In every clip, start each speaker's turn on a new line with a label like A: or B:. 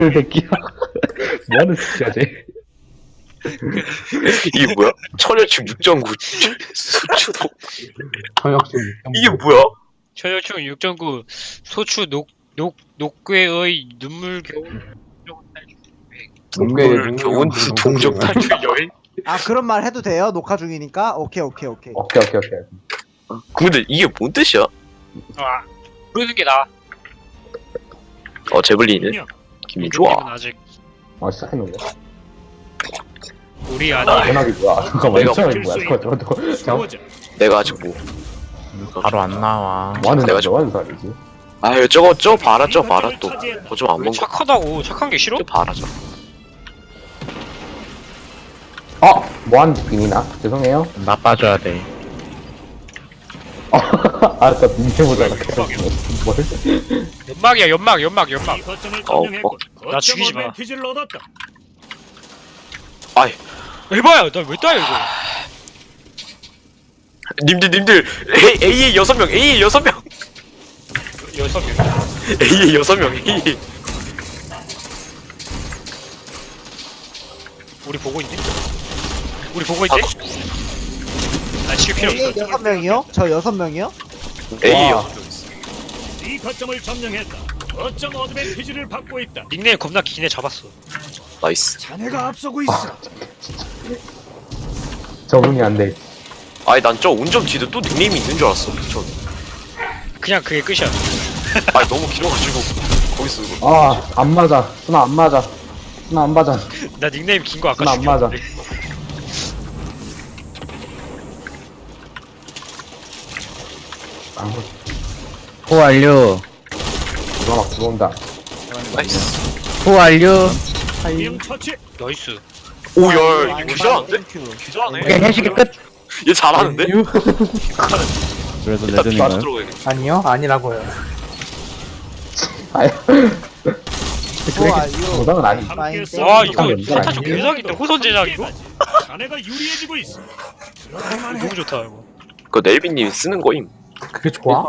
A: 새끼야. 뭐하는 짓이야, 쟤.
B: 이게 뭐야? 천여충 6.9 수추도
A: 청역증.
B: 이게 뭐야?
C: 천여충 6.9 소추 녹괴의 눈물 겨울
B: 동물 교원 동족 탈출 여행?
D: 아 그런 말 해도 돼요? 녹화 중이니까? 오케이.
A: 오케이.
B: 근데 이게 뭔 뜻이야?
C: 아 부르는 게 나아.
B: 제블린이네. 기분 좋아.
C: 아직
A: 시작했는데.
C: 우리 아니
A: 전화기 뭐야? 잠깐만,
B: 내가
A: 전화기 뭐야? 잠깐만.
B: 내가 아직 뭐
E: 바로 안 나와.
A: 뭐하는
B: 내가
A: 사람이지? 뭐하는 사람이지?
B: 아유 저거 봐라 또 그거 좀 안
C: 왜
B: 먹어.
C: 착하다고 착한 게 싫어?
B: 저 봐라 저.
A: 뭐하는 짓이나? 죄송해요.
E: 나빠져야 돼.
A: 알았어, 민폐보다가 뭘?
C: 연막이야 연막. 나 죽이지 마.
B: 아이
C: 에바야 나 왜 따요 이거?
B: 님들 A에 6명 A에 6명
C: 6명.
B: A에 6명 A.
C: 우리 보고 있니? 나 지금 필요
D: A
C: 없어.
D: 6명이요? 저 6명이요?
B: A에
A: 와.
B: 6명.
F: 이 거점을 점령했다. 거점 어드밴티지를 받고 있다.
C: 닉네임 겁나 기네 잡았어.
B: 나이스.
F: 자네가 앞서고 있어.
A: 적응이 안 돼.
B: 아니 난 저 운전 뒤도 또 닉네임이 있는 줄 알았어. 전.
C: 그냥 그게 끝이야.
B: 아니 너무 길어가지고 거기서
A: 안 맞아. 순아, 안 맞아. 순아, 안 맞아.
C: 나 닉네임 긴 거 아까
A: 나 안 맞아.
C: 죽였는데.
E: 호 완료.
A: 누가 막 들어온다.
B: 나이스.
E: 호 완료.
F: 명 처치.
C: 나이스.
B: 오야 이거 귀찮은데?
E: 오케이
B: 귀찮네.
E: 해식이 끝.
B: 얘 잘하는데?
E: 그래서
B: 일단 나도
E: 레전인가요?
B: 들어가야겠다.
G: 아니요, 아니라고요.
A: 아유.
D: 좋아 이거
A: 보상은 아니.
F: 함께
C: 와
F: 싸우는
C: 이거
A: 아니에요?
C: 사타 좀 개작인데 호선 제작 이거?
F: 자네가 유리해지고 있어. 들어가만 해.
C: 너무 좋다 이거.
B: 그거 넬빈님이 쓰는 거임.
G: 그게 좋아?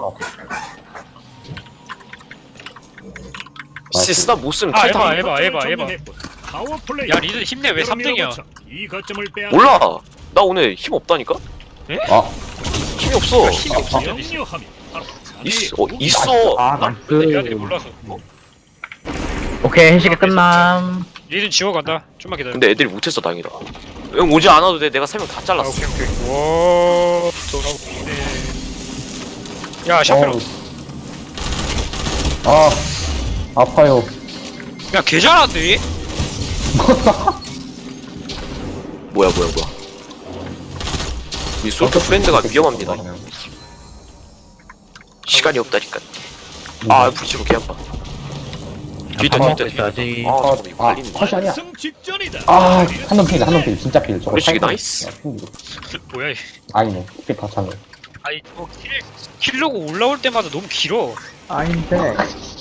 B: 시스나 못 쓰면
C: 아,
B: 탈당.
C: 에바.
F: 파워 플레이.
C: 야 리드 힘내 왜 3등이야?
F: 이 거점을 빼앗.
B: 몰라. 나 오늘 힘 없다니까? 힘이 없어.
C: 힘이 없어.
F: 영유함이 바로 자네의
B: 있어.
G: 아,
C: 내가 몰라서.
E: 오케이 해식이 끝남.
C: 리드 지워간다. 좀만 기다려.
B: 근데 애들이 못했어 다행이다. 형 오지 않아도 돼. 내가 3명 다
C: 아
B: 잘랐어.
C: 오케이. 와 돌아오네. 야 샤프로.
A: 아파요.
C: 야 개잘한데?
B: 뭐야. 이 솔트 프렌드가 위험합니다. 시간이 없다니까. 불치로 개 아파. 뒤에
E: 먹고
B: 있다.
E: 있어야지.
B: 잠깐만 이거 갈리는데.
A: 컷이 아니야.
F: 승 직전이다.
A: 한놈 필. 진짜 필. 저거
B: 우리식이
A: 타이밍.
B: 나이스.
C: 뭐야 이.
A: 아니네. 필 다 차네.
C: 아니 저거 킬로고 올라올 때마다 너무 길어.
G: 아닌데.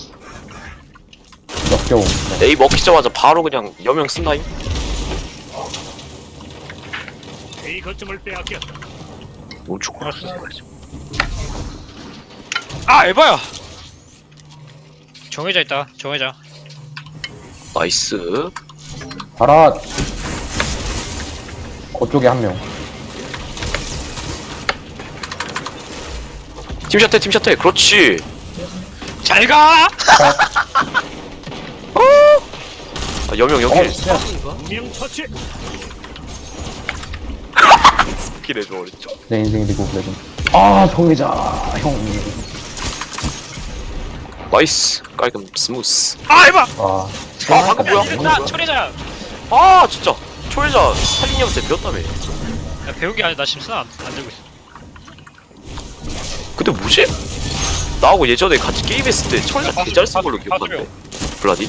A: 역겨움.
B: A 먹히자마자 바로 그냥 여명 쓴다임.
F: 이 거점을 빼앗겼다.
B: 뭘 죽고.
C: 아 에바야. 정해져 있다. 정해자.
B: 나이스.
A: 봐라. 그쪽에 한 명.
B: 팀샷해. 그렇지.
C: 잘 가.
B: 여명 여기.
F: 명 처치.
B: 스킬해 줘 어렸죠.
A: 내 인생 리그 오브 레전드. 정의자. 형.
B: 나이스. 깔끔 스무스.
C: 아 에바.
B: 방금 뭐야?
C: 나 철회자야.
B: 진짜. 초회자 살인형한테 배웠다며.
C: 야 배운 게 아니야. 나 지금 쓰나 안 들고 있어.
B: 근데 뭐지? 나하고 예전에 같이 게임했을 때 초회자 개잘 쓴 걸로 기억하는데. 블라디?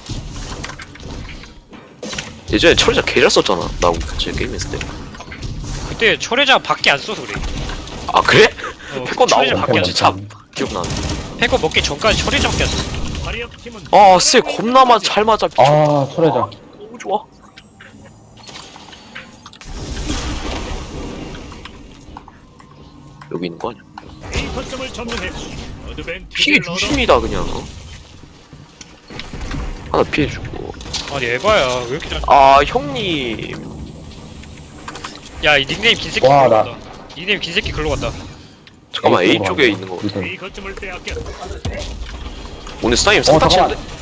B: 예전에 초회자 개잘 썼잖아. 나하고 같이 게임했을 때.
C: 그때 철회자 밖에 안 써서 그래.
B: 아 그래? 패권
C: 철회자
B: 나오고
C: 밖에 안
B: 진짜 기억나네.
C: 패권 먹기 전까지 철회자밖에 안 써.
F: 화력 팀은
B: 쎄 겁나 잘 맞아. 미쳤다.
A: 철회자.
B: 너무 좋아. 여기 있는 거 아니야?
F: 이 거점을 점령했고
B: 피해
F: 어드밴티지를 얻어.
B: 유심이다 그냥. 하나 피해주고.
C: 아니 에바야 왜 이렇게 잘.
B: 아 형님.
C: 야이 닉네임 긴 새끼
A: 와,
C: 글로
A: 나-
C: 간다. 닉네임 긴 새끼 글로 간다.
B: 잠깐만 A
A: 쪽으로
B: 쪽에
A: 가는
B: 있는 거.
A: 리듬.
F: A 거점을 빼앗겼다.
B: 오늘 스나임 상타
A: 잠깐만.
B: 치는데?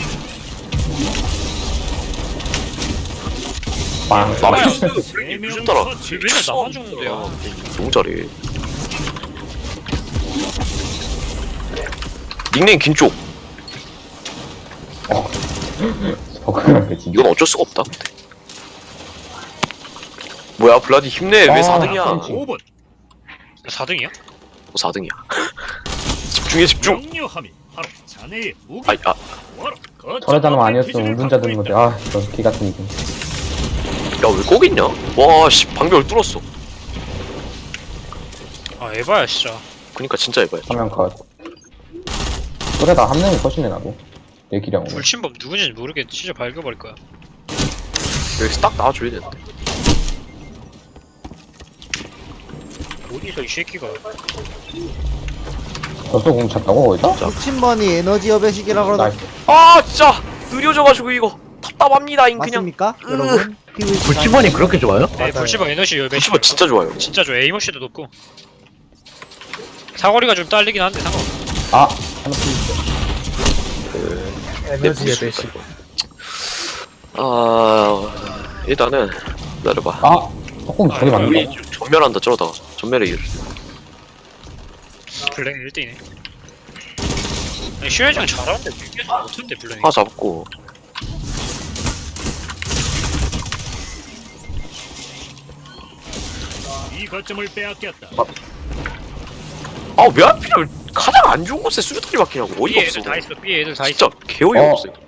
A: 빵.
B: 나이스.
F: 네 명
B: 무슨 따라?
F: 처치.
C: 왜 맨날 나만 죽는데 야.
B: 너무 잘해. 닉네임 긴 쪽.
A: 저거는 진짜.
B: 이건 어쩔 수가 없다. 근데. 뭐야 블라디 힘내. 왜
A: 아,
B: 4등이야?
F: 5분
C: 4등이야?
B: 4등이야. 집중해 집중.
F: 명료함이 바로 자네의 무기.
B: 아이 아.
A: 저래 자는 아니었으면 운전자 되는 건데, 아, 이런 개 같은 이름.
B: 야왜 거기 있냐? 와 씨 방벽을 뚫었어.
C: 아 에바야 진짜.
B: 그니까 진짜 해봐요.
A: 화면 컷. 그래, 나 한 명이 컷이네, 나도. 내 기량으로.
C: 불침범 누군지 모르겠는데 진짜 밝혀버릴 거야.
B: 여기서 딱 나와줘야 되는데.
C: 어디서 이 새끼가.
A: 너또 공 찼다고, 거기서?
D: 불침번이 에너지 여배식이라 그러다.
A: 나이스.
B: 아 진짜 느려져가지고 이거 답답합니다잉 그냥.
D: 맞습니까? 여러분? PVC
E: 불치번이 그렇게 좋아요?
C: 네
D: 맞아요.
C: 불침범 에너지 열배.
B: 시바 진짜 좋아요.
C: 진짜 좋아. 에이머시도 높고. 사거리가 좀 딸리긴 한데 상관없어.
A: 아, 하나 풀리죠.
G: 에너지의 배식.
B: 아 일단은 기다려봐.
A: 아, 조금 저기 맞는
B: 우리
A: 거.
B: 전멸한다 저러다가 전멸에 이르.
C: 블랙 1등이네. 아니 슈레장 잘하는데 이게 못한데 블랙이.
B: 하나 잡고.
F: 이 거점을 빼앗겼다.
B: 아 왜 하필이면 가장 안 좋은 곳에 수류탄이 박히냐고.
C: B
B: 어이가
C: 애들
B: 없어.
C: 다 있어. B 애들 다
B: 진짜
C: 있어.
B: 개어이가
A: 어.
B: 없어.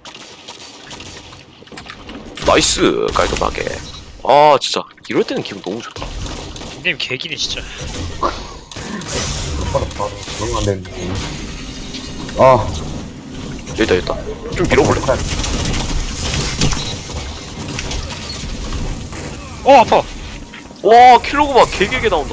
B: 나이스 깔끔하게. 아 진짜 이럴 때는 기분 너무 좋다.
C: 닉네임 개기네 진짜.
A: 그런 안 되는데. 아,
B: 여기다 여기다. 좀 밀어볼래?
C: 어 아파.
B: 와 킬로그 봐 개개개 나온다.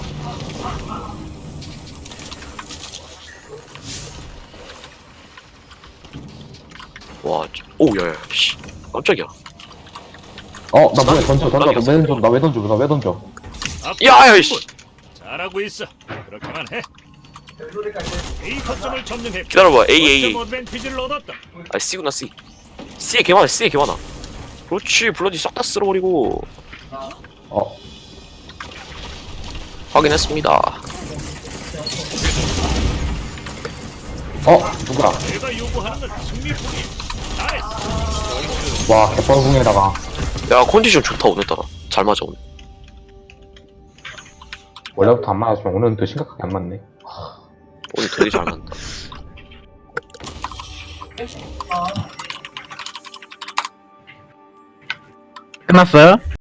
B: 와, 오 야야, 씨, 깜짝이야.
A: 나 뭐야, 던져. 나 왜 던져.
B: 야야, 씨,
F: 잘하고 있어. 그렇게만 해. A 거점을 점령해.
B: 기다려봐. A.
F: 거점 어드밴티지를 얻었다.
B: 아 C구나 C. C에 개 많아. C에 개 많아. 그렇지, 블러디 싹 다 쓸어버리고. 확인했습니다.
A: 누구야?
F: 내가 요구하는 건 승리뿐이야. 나이스.
A: 와, 개뻘궁에다가.
B: 야 컨디션 좋다 오늘따라. 잘 맞아 오늘.
A: 원래부터 안 맞았으면 오늘은 더 심각하게 안 맞네.
B: 오늘 되게 잘 맞다.
E: 끝났어요?